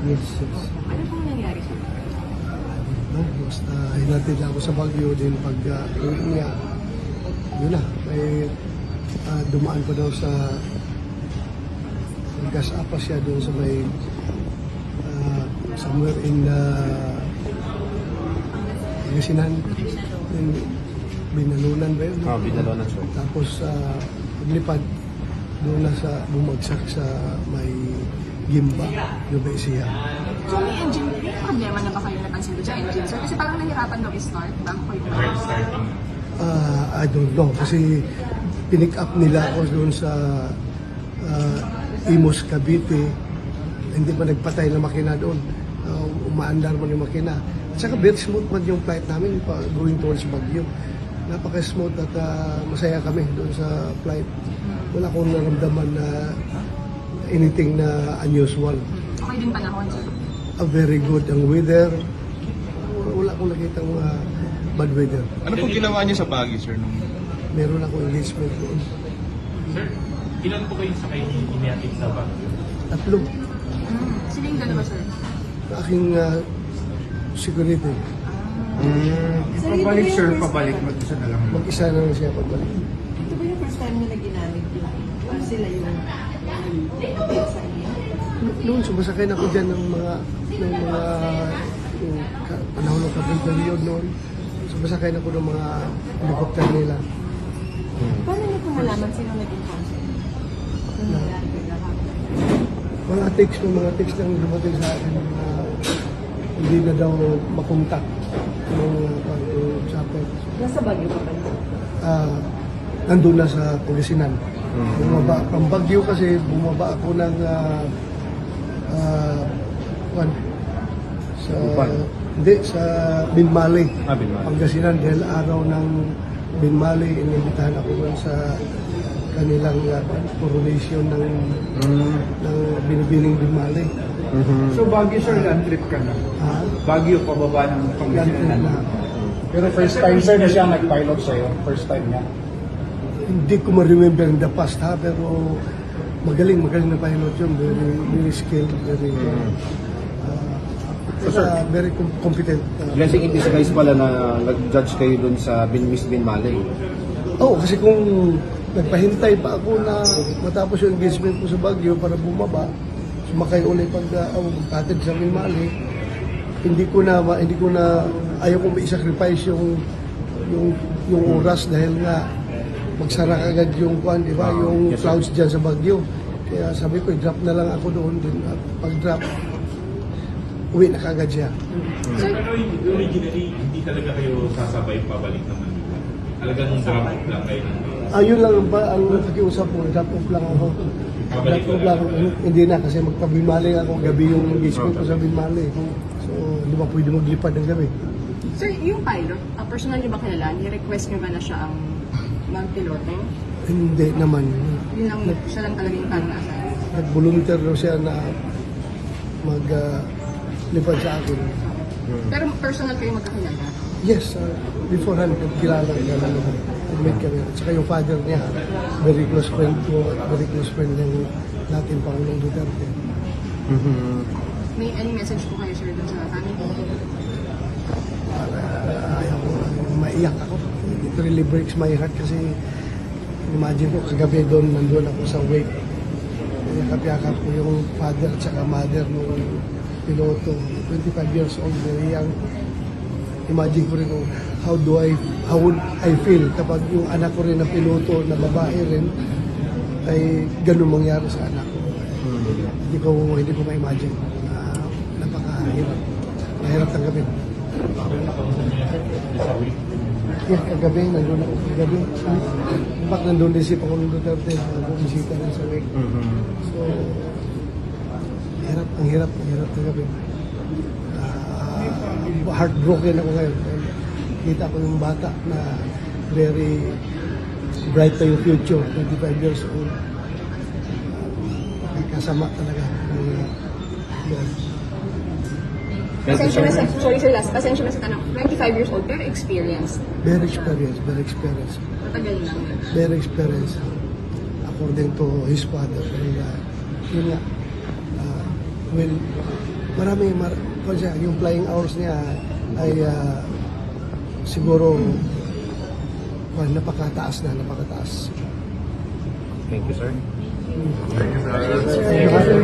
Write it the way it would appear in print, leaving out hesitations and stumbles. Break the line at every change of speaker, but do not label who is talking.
Yes, yes.
Ano pong nangyari sir?
No, basta hinatid ako sa Baguio din pag uwi niya. Yun na, may dumaan pa daw sa gas apa siya doon sa may somewhere in Pangasinan. Binalunan ba yun?
Binalunan siya.
Tapos paglipad doon na sa bumagsak sa may Gimba, Nubesia.
So may engine, may problema na ba kayo napansin doon sa engine sir? Kasi parang nahirapan daw i-start, bago ko ito.
I don't know kasi pinick up nila ako doon sa Imus, Cavite. Hindi pa nagpatay na makina doon. Umaandar man yung makina. At saka very smooth man yung flight namin going towards Baguio. Napaka-smooth at masaya kami doon sa flight. Wala akong naramdaman na anything na unusual.
Okay din panahon sir?
Very good ang weather. Wala akong nakita bad weather.
Ano pong ginawa niyo sa Baguio, sir?
Meron akong engagement doon.
Sir, ilan po kayo sa kayo inihatid sa Baguio?
3.
Sila yung dalawa sir?
Aking security.
Pabalik sir, pabalik. Mag-isa na lang.
Mag-isa na lang siya pagbalik.
Ito ba yung first time na ginamit yung sila yung sa inyo?
Noon, sumasakay na ako dyan ng mga panahon ng kapag period noon. Sumasakay na ako ng mga helicopter nila.
Paano niyo po malaman sino naging consul? Nung nangyari kayo lahat?
Mga text lang dumating sa akin na hindi na daw makontak ng chopper.
Nasa Baguio pa ba yun?
Nandun na sa Pangasinan. Bumaba, ang Baguio kasi bumaba ako ng sa Binmali.
Binmali.
Pangasinan dahil araw ng Binmali, inibitahan ako sa kanilang coronation ng binibining Binmali.
So Baguio sir, land trip ka na. Baguio, pababa ng Pangasinan na. Pero first time sir na siya nag-pilot sa'yo. First time niya.
Hindi ko ma-remember in the past pero magaling na pilot yun. Very skilled, very competent.
Blessing in disguise pala na nag-judge kayo dun sa Miss Binmali.
Kasi kung nagpahintay pa ako na matapos yung engagement ko sa Baguio para bumaba, sumakay ulit magtatid sa Binmali, hindi ko na ayaw kong i-sacrifice yung oras dahil nga magsara agad yung di ba, yung
yes,
clouds dyan sa Baguio. Kaya sabi ko, i-drop na lang ako doon din. At pag-drop, uwi na kagad siya.
Pero originally, hindi talaga kayo sasabay pabalik ng Manila. Talagang drop off lang kayo ng
Ayun lang ang nakikiusap ko, drop off lang ako.
Pabalik
Drop off lang. Hindi na kasi magpabimali ako, gabi yung engagement ko sa Binmali. So, hindi ba pwede maglipad ng gabi?
Sir, yung pilot, personal niyo ba kilala? Ni-request niyo ba na siya ang mag-piloto?
Hindi naman.
Yun lang, siya lang talaga yung parang nasa.
Nag-volunteer daw siya na maglipad sa akin.
Pero personal kayo magkakilala?
Yes, beforehand, kilala naman. Nag-meet kami. At saka yung father niya, very close friend ko, very close friend ng dating Pangulong Duterte.
May any message po kayo sir dun sa family?
Ayaw ko, maiyak ako. It really breaks my heart kasi imagine ko, kagabi doon, nandun ako sa wake. Yakap-yakap ko yung father at saka mother ng piloto. 25 years old, very young. Imagine ko rin how would I feel kapag yung anak ko rin na piloto, na babae rin, ay ganun mangyari sa anak ko. Hindi ko ma-imagine. Napakahirap. Mahirap tanggapin. Yeah, kagabi, nandun ako kagabi. Bakit nandun din si Pangulong Duterte, bumisita rin sa wake. So, ang hirap tanggapin. Heartbroken ako ngayon. Kita ko yung bata na very bright pa yung future, 25 years old. Kasama talaga.
Pasensya na sa, sorry sir, last, pasensya na sa tanong. 25 years old, pero experience.
Very experienced.
Matagal lang.
Very experienced. According to his father. Kaya, yun nga, well, yung flying hours niya ay siguro napakataas.
Thank you, sir.
Thank you.